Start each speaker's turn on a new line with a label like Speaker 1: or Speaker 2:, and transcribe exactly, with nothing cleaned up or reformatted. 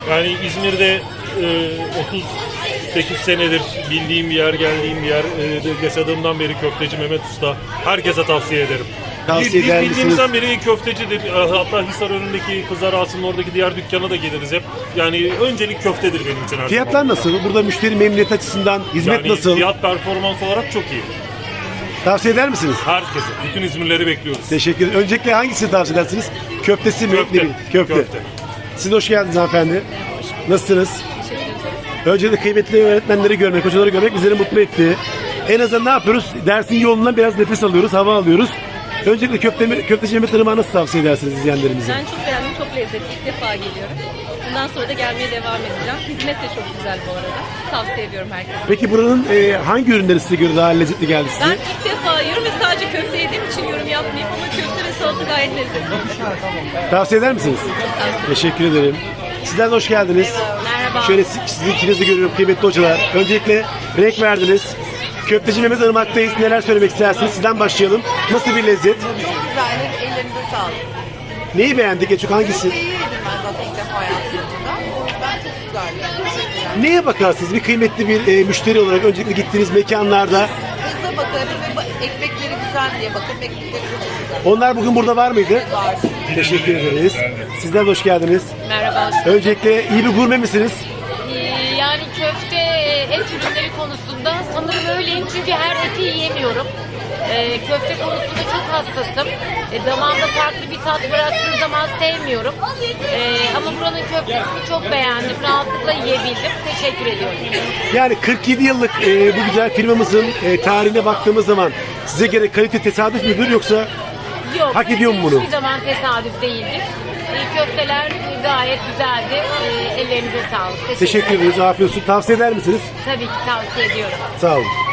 Speaker 1: Yani İzmir'de e, otuz sekiz senedir bildiğim bir yer, geldiğim bir yer. E, yaşadığımdan beri köfteci Mehmet Usta. Herkese tavsiye ederim.
Speaker 2: Tavsiye
Speaker 1: Biz
Speaker 2: eder
Speaker 1: bildiğimizden beri köftecidir. Hatta Hisar önündeki Kızlar Ağası'nın oradaki diğer dükkana da geliriz hep. Yani öncelik köftedir benim için her
Speaker 2: Fiyatlar
Speaker 1: zaman.
Speaker 2: nasıl? Burada müşteri memnuniyet açısından hizmet
Speaker 1: Yani
Speaker 2: nasıl?
Speaker 1: fiyat performans olarak çok iyi.
Speaker 2: Tavsiye eder misiniz?
Speaker 1: Herkese, bütün İzmirleri bekliyoruz.
Speaker 2: Teşekkür ederim. Öncelikle hangisini tavsiye edersiniz? Köftesi mi?
Speaker 1: Köfte.
Speaker 2: Ne bileyim, Köfte.
Speaker 1: Köfte.
Speaker 2: Siz hoş geldiniz hanımefendi. Nasılsınız? Öncelikle kıymetli öğretmenleri görmek, hocaları görmek bizleri mutlu etti. En azından ne yapıyoruz? Dersin yoğunluğundan biraz nefes alıyoruz, hava alıyoruz. Öncelikle köfte, köfteci Mehmet Irmak'ı nasıl tavsiye edersiniz izleyenlerimize?
Speaker 3: Ben çok beğendim, çok lezzetli. İlk defa geliyorum. Bundan sonra da gelmeye devam edeceğim. Hizmet de çok güzel bu arada. Tavsiye ediyorum herkese.
Speaker 2: Peki buranın e, hangi ürünleri size göre daha lezzetli geldi size?
Speaker 3: Ben ilk defa yiyorum ve sadece köfte yediğim için yorum yapmayayım ama köfte ve salata gayet lezzetli.
Speaker 2: Tavsiye eder misiniz? Teşekkür ederim. Sizler de hoş geldiniz.
Speaker 3: Merhaba.
Speaker 2: Şöyle si- sizi ikinizi de görüyorum kıymetli hocalar. Öncelikle renk verdiniz. Köfteci Mehmet Irmak'tayız. Neler söylemek istersiniz? Sizden başlayalım. Nasıl bir lezzet?
Speaker 4: Çok güzel, ellerinize sağlık.
Speaker 2: Neyi beğendik? En çok hangisi?
Speaker 4: Köfteyi yedim ben zaten ilk defa hayatımda. Ben çok güzel. Teşekkürler.
Speaker 2: Neye bakarsınız? Bir kıymetli bir e, müşteri olarak öncelikle gittiğiniz mekanlarda.
Speaker 4: Hızla bakarım ve ba- ekmekleri güzel diye bakarım. Ekmekleri çok güzel.
Speaker 2: Onlar bugün burada var mıydı?
Speaker 4: Var.
Speaker 2: Teşekkür ederiz. Sizler de hoş geldiniz.
Speaker 5: Merhaba.
Speaker 2: Öncelikle iyi bir gurme misiniz?
Speaker 5: Ee, Yani köfte, et ürünleri konusunda sanırım öyleyim çünkü her eti yiyemiyorum. Ee, köfte konusunda çok hassasım. E, damağımda farklı bir tat bıraktığı zaman sevmiyorum. Ee, ama buranın köftesini çok beğendim. Rahatlıkla yiyebildim. Teşekkür ediyorum.
Speaker 2: Yani kırk yedi yıllık e, bu güzel firmamızın e, tarihine baktığımız zaman size göre kalite tesadüf müdür yoksa
Speaker 5: Yok.
Speaker 2: Hak ediyor mu bunu?
Speaker 5: Hiçbir zaman tesadüf değildir. Ee, köfteler gayet güzeldi. Ee, ellerinize sağlık. Teşekkür,
Speaker 2: teşekkür
Speaker 5: ederim.
Speaker 2: ederiz. Afiyet olsun. Tavsiye eder misiniz?
Speaker 5: Tabii ki tavsiye ediyorum.
Speaker 2: Sağ olun.